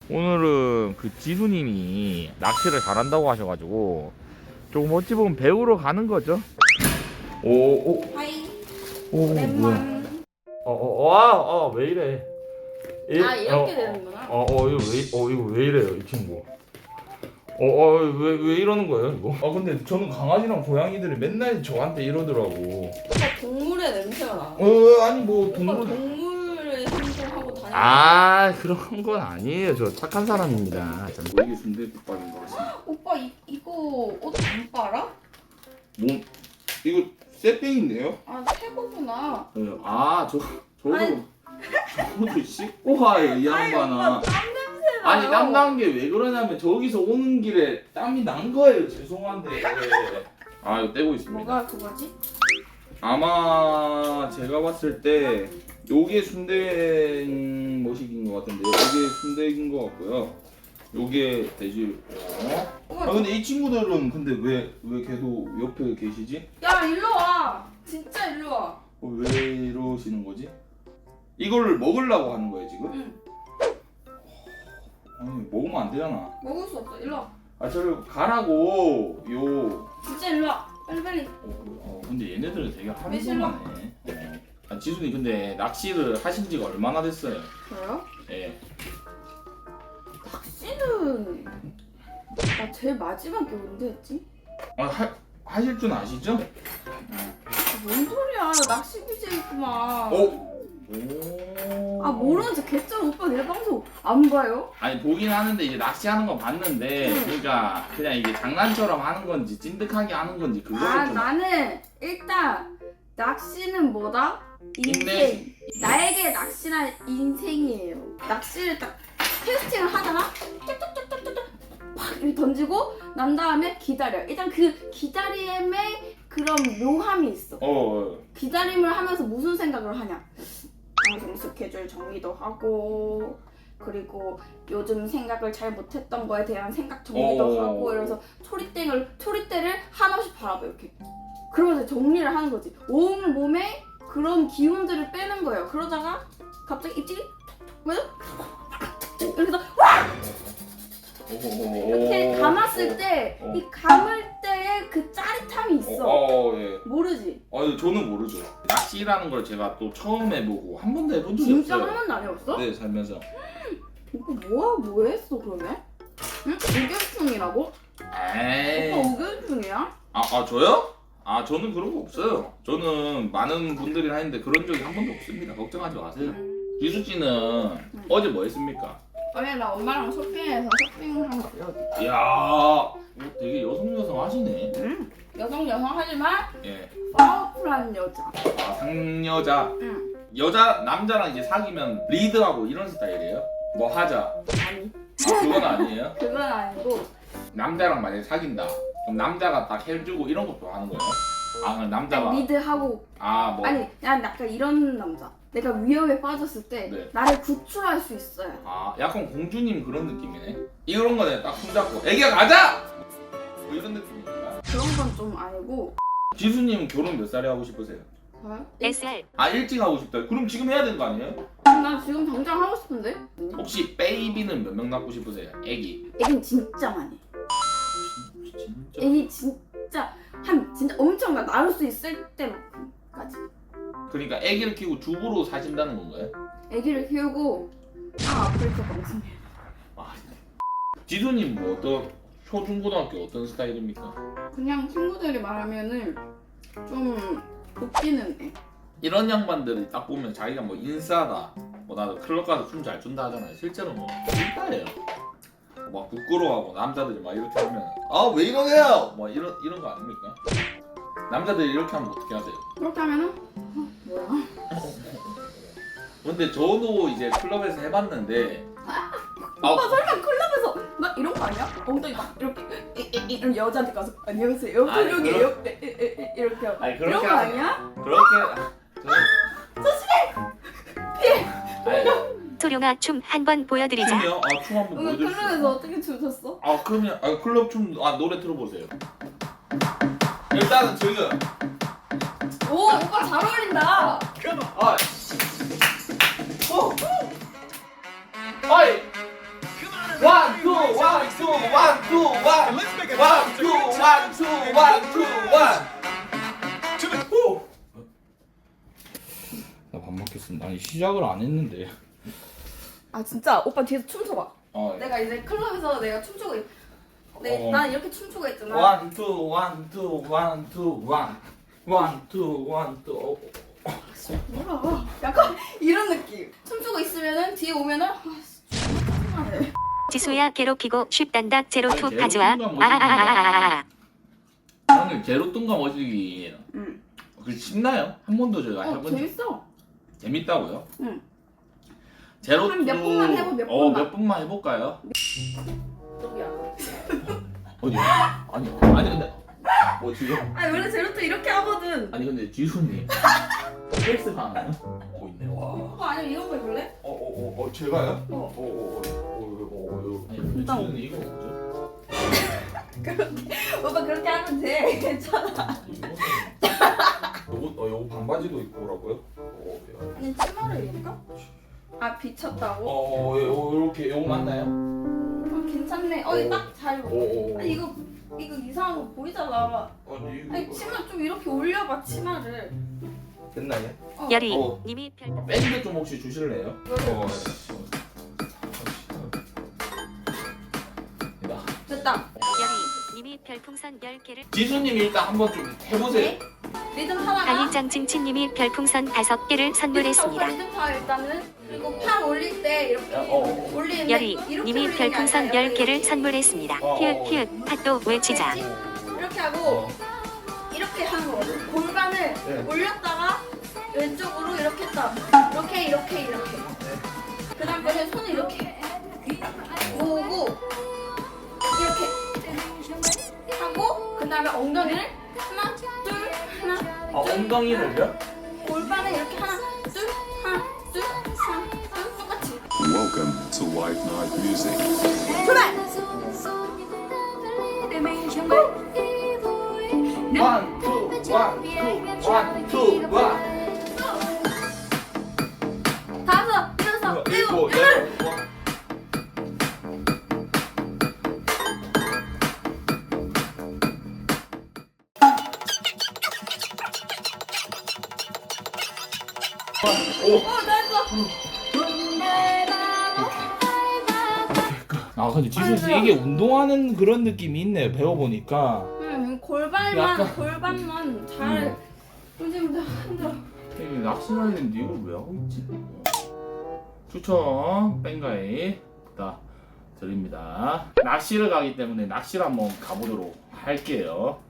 오늘은 그 지수님이 낚시를 잘한다고 하셔가지고 조금 어찌 보면 배우러 가는 거죠. 오, 하이. 오, 오랜만. 왜 이래? 이렇게 되는구나. 이거 왜 이래요, 이 친구? 왜 이러는 거예요, 이거? 근데 저는 강아지랑 고양이들이 맨날 저한테 이러더라고. 오빠 동물의 냄새가 나. 아니 뭐 오빠 동물. 동물을 행동하고 다니는. 그런 건 아니에요. 저 착한 사람입니다. 이게 순대국밥인 것 같습니다. 오빠 이거 옷 안 빨아? 뭐 이거 쇠땡인데요? 새거구나. 저도 씻고 와요, 이 양반아. 오빠 땀 냄새 나. 아니 땀 난 게 왜 그러냐면 저기서 오는 길에 땀이 난 거예요. 죄송한데. 이거 떼고 있습니다. 뭐가 그거지? 아마 제가 봤을 때 요게 순대 모식인 것 같은데요. 요게 순대인 것 같고요. 요게 돼지. 근데 이 친구들은 근데 왜 계속 옆에 계시지? 야 일로 와. 진짜 일로 와. 왜 이러시는 거지? 이걸 먹으려고 하는 거예요 지금? 응. 아니 먹으면 안 되잖아. 먹을 수 없어. 일로 와. 저를 가라고 요. 진짜 일로 와. 빨리. 근데 얘네들은 되게 왜 싫어? 하는구만해. 지수님 근데 낚시를 하신 지가 얼마나 됐어요? 저요? 예. 낚시는 나 제일 마지막에 언제 했지? 하실 줄 아시죠? 뭔 소리야? 나 낚시 BJ 있구만. 오. 모르는 척 개쩔. 오빠 내 방송 안 봐요? 아니 보긴 하는데 이제 낚시하는 건 봤는데 그러니까 그냥 이게 장난처럼 하는 건지 찐득하게 하는 건지 그거를 좀. 나는 일단 낚시는 뭐다? 인생. 인생. 나에게 낚시란 인생이에요. 낚시를 딱 캐스팅을 하잖아? 뚝뚝뚝뚝뚝 팍 이렇게 던지고 난 다음에 기다려. 일단 그 기다림에 그런 묘함이 있어. 기다림을 하면서 무슨 생각을 하냐? 방송 스케줄 정리도 하고, 그리고 요즘 생각을 잘 못했던 거에 대한 생각 정리도 하고, 이러면서 초리대를 한없이 바라봐 이렇게. 그러면서 정리를 하는 거지. 온 몸에 그런 기운들을 빼는 거예요. 그러다가 갑자기 입질이 이렇게 해서 이렇게 감았을 때 이 감을 때의 그 짜릿함이 있어. 예. 모르지? 저는 모르죠. 낚시라는 걸 제가 또 처음 해보고 한 번도 해본 적이 진짜 없어요. 한 번도 안 해봤어? 네, 살면서. 오빠 뭐 했어 그러면? 응? 우견충이라고? 에이. 오빠 우견충이야? 저요? 저는 그런 거 없어요. 저는 많은 분들이 하는데 그런 적이 한 번도 없습니다. 걱정하지 마세요. 기수 씨는 어제 뭐 했습니까? 어제 나 엄마랑 쇼핑해서 쇼핑한 거 보여줄게. 이야, 되게 여성 하시네. 여성 하지만 예. 파워풀한 여자. 상여자. 응. 남자랑 이제 사귀면 리드하고 이런 스타일이에요? 뭐 하자. 아니 그건 아니에요? 그건 아니고 남자랑 만약에 사귄다. 그럼 남자가 딱 해주고 이런 것도 하는 거예요? 그럼 남자가. 리드하고 뭐. 아니 난 약간 이런 남자. 내가 위협에 빠졌을 때 네. 나를 구출할 수 있어요. 약간 공주님 그런 느낌이네. 이런 거네. 딱 손잡고 애기야 가자! 뭐 이런 느낌입니다. 그런 건 좀 아니고. 지수님 결혼 몇 살에 하고 싶으세요? 저요? SR 일찍 하고 싶다. 그럼 지금 해야 되는 거 아니에요? 나 지금 당장 하고 싶은데? 혹시 베이비는 몇 명 낳고 싶으세요? 애기. 애긴 진짜 많이. 진짜. 애기 진짜 진짜 엄청 낳을 수 있을 때까지. 그러니까 애기를 키우고 주부로 사신다는 건가요? 애기를 키우고 아프리카 방송해. 지수님 뭐 어떤 초중고등학교 어떤 스타일입니까? 그냥 친구들이 말하면은 좀 웃기는 애. 이런 양반들이 딱 보면 자기가 뭐 인싸다, 뭐 나도 클럽 가서 춤 잘 춘다 하잖아요. 실제로 뭐 인싸예요. 막 부끄러워하고 남자들이 막 이렇게 하면 왜 이러세요? 뭐 이런 거 아닙니까? 남자들이 이렇게 하면 어떻게 하세요? 그렇게 하면은 뭐야? 근데 저도 이제 클럽에서 해봤는데 오빠 설마 클럽에서 막 이런 거 아니야? 엉덩이 막 이렇게 이런 여자한테 가서 안녕하세요 아니, 여기에요 이렇게 하고 아니, 이런 그렇게 거 하지. 아니야? 그렇게 소룡아 춤 한번 보여드리자. 춤이요? 춤 한번 오늘 보여줄 수 클럽에서 있어요? 어떻게 춤췄어? 그러면 클럽 춤 노래 틀어보세요. 일단은 지금 오 오빠 잘 어울린다. 어이 원, 투, 원, 투, 원, 투, 원. 원, 투, 원, 투, 원, 투, 원. 나 밥 먹겠습니다. 아니 시작을 안 했는데. 아 진짜 오빠 뒤에서 춤춰봐. 어. 내가 이제 클럽에서 내가 춤추고 난 이렇게 춤추고 있잖아. 원, 투, 원, 투, 원, 투, 원. 원, 투, 원, 투. 뭐라? 약간 이런 느낌. 춤추고 있으면은 뒤에 오면은 짜증나네. 지수야 괴롭히고 쉽단다 제로 아니, 투 제로 가져와. 투가 뭐지? 형님 제로 뚱가 머지기 응. 그 쉽나요? 한 번도 제가 해본 적 재밌어. 재밌다고요? 응. 제로 한몇 투 번만 해보, 몇 번만. 몇 번만 해볼까요? 너야. 어디요? 아니 근데 뭐 지금 아니 원래 제로트 이렇게 하거든. 아니 근데 지수님 헬스 하나요? 있네 와. 오빠 아니면 이런 거 해볼래? 제가요? 어. 아니 진짜. 지수님 이거 뭐죠? 오빠 그렇게 하면 돼. 괜찮아. 요거 반바지도 입고 오라고요? 아니 치마를 입을까? 아 비쳤다고? 요렇게 요거 맞나요? 괜찮네. 이거 딱 잘 입어. 아니 이거 이상한 거 보이잖아. 아니 치마 좀 이렇게 올려봐 치마를. 됐나요? 열이 어. 님이 별 밴드 좀 혹시 주실래요? 됐다. 열이 님이 별풍선 10개를 지수님 일단 한번 좀 해보세요. 리듬 하나가. 강일장 칭칭님이 별풍선 5개를 선물했습니다. 리듬 타 일단은. 그리고 팔 올릴 때 이렇게 올리는데 열이 이렇게 님이 올리는 게 별풍선 아니라 10개를 선물했습니다. 히읗 핫도 외치자. 이렇게 하고 이렇게 하는 거거든. 골반을 올렸다가 왼쪽으로 이렇게 했다. 이렇게. 그 다음에 손을 이렇게 모으고 이렇게 하고 그 다음에 엉덩이를 하나 둘 하나 둘 엉덩이를요? 골반을 이렇게 하나 둘 하나 둘 하나 둘 똑같이 Welcome to White Night Music. 출발! 원, 투, 원, 투, 원. 다섯 여섯 일곱 여덟 아 근데 지수 씨 이게 운동하는 그런 느낌이 있네 배워보니까. 골반만 잘 요즘 힘들어. 낚시를 했는데 이걸 왜 하고 있지? 추천 뺑가이 다 드립니다. 낚시를 가기 때문에 낚시를 한번 가보도록 할게요.